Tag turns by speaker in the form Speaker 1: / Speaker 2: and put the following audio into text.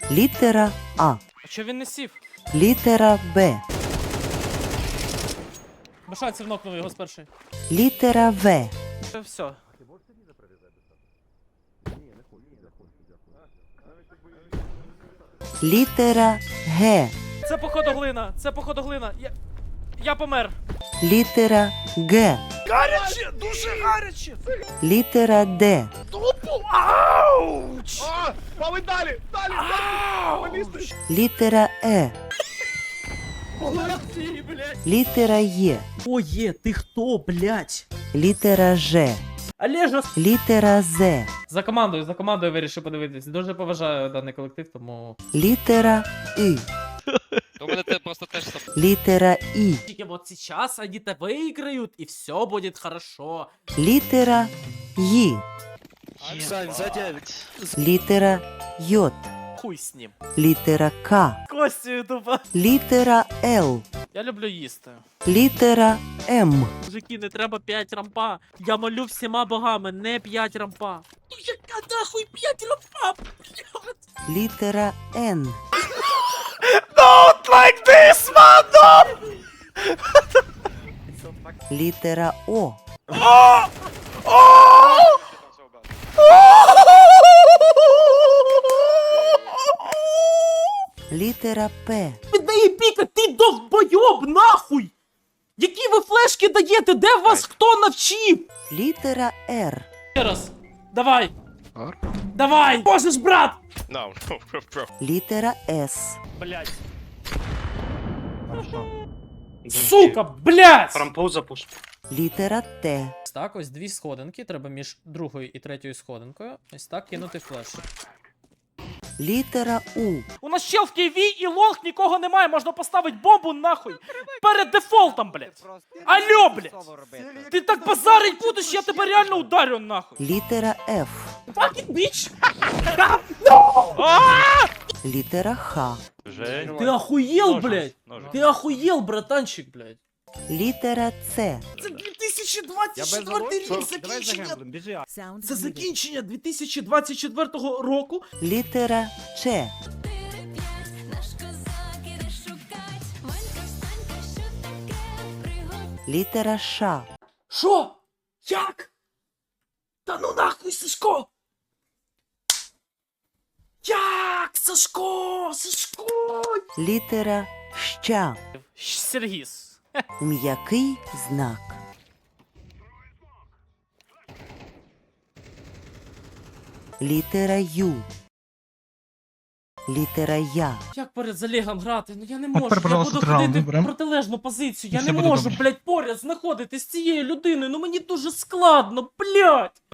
Speaker 1: Літера А.
Speaker 2: А чого він не сів?
Speaker 1: Літера Б.
Speaker 2: Без шансів нокнув його з першої.
Speaker 1: Літера В.
Speaker 2: Все.
Speaker 1: Літера Г.
Speaker 2: Це походу глина, це походу глина. Я помер.
Speaker 1: Літера Г.
Speaker 2: Гаряче, дуже гаряче.
Speaker 1: Літера Д.
Speaker 2: Тупо, ауч!
Speaker 3: Мами, далі! Далі!
Speaker 2: Ауч!
Speaker 1: Літера Е.
Speaker 2: Молодці, блядь.
Speaker 1: Літера Є.
Speaker 2: О, є, ти хто, блядь?
Speaker 1: Літера Ж.
Speaker 2: Олежа.
Speaker 1: Літера З.
Speaker 2: За командою вирішив подивитись. Дуже поважаю даний колектив, тому...
Speaker 1: Літера І.
Speaker 4: У мене те просто теж сам.
Speaker 1: Літера І.
Speaker 2: Вот сейчас они-то выиграют, и все будет хорошо.
Speaker 1: Літера Й.
Speaker 4: Сань, за 9.
Speaker 1: Літера Й.
Speaker 2: Хуй с ним.
Speaker 1: Літера К.
Speaker 2: Костю тупо.
Speaker 1: Літера Л.
Speaker 2: Я люблю їсти.
Speaker 1: Літера М.
Speaker 2: Мужики, не треба 5 рампа. Я молю всіма богами, не 5 рампа. Ну яка нахуй 5 рампа? Блядь.
Speaker 1: Літера Н.
Speaker 2: Don't like this, man!
Speaker 1: Літера О. Літера П.
Speaker 2: Віддає піка, ти довбойоб, нахуй! Які ви флешки даєте? Де вас хто навчив?
Speaker 1: Літера Р.
Speaker 2: Ще раз. Давай. Давай! Можеш, брат!
Speaker 4: No, bro.
Speaker 1: Літера С.
Speaker 2: Блять. Сука, блять!
Speaker 3: Рампоу запуш.
Speaker 1: Літера Т.
Speaker 2: Так, ось дві сходинки, треба між другою і третьою сходинкою. Ось так кинути флеш.
Speaker 1: Літера У.
Speaker 2: У нас чел в Києві і лонг нікого немає, можна поставити бомбу нахуй. Перед дефолтом, блять. Алло, блять. Ти так базарить будеш, я тебе реально ударю нахуй.
Speaker 1: Літера Ф.
Speaker 2: Fucking bitch.
Speaker 1: Літера Х.
Speaker 2: Ти охуєл, блять. Ти охуєл, братанчик, блять.
Speaker 1: Літера С.
Speaker 2: Це 2024 рік закінчення. Це закінчення 2024 року.
Speaker 1: Літера Ч. Літера Ш.
Speaker 2: Що? Як? Та ну нахуй, Сашко! Як? Сашко! Сашко!
Speaker 1: Літера Щ.
Speaker 2: Сергіс.
Speaker 1: М'який знак. Літера Ю. Літера Я.
Speaker 2: Як перед залігом грати? Ну я не можу.
Speaker 5: тепер,
Speaker 2: Я
Speaker 5: пожалуйста,
Speaker 2: буду
Speaker 5: раунд
Speaker 2: ходити в
Speaker 5: виберем.
Speaker 2: протилежну позицію. Я
Speaker 5: І
Speaker 2: не
Speaker 5: все буде
Speaker 2: можу,
Speaker 5: добре.
Speaker 2: блядь, поряд знаходитись з цією людиною. Ну мені дуже складно, блядь!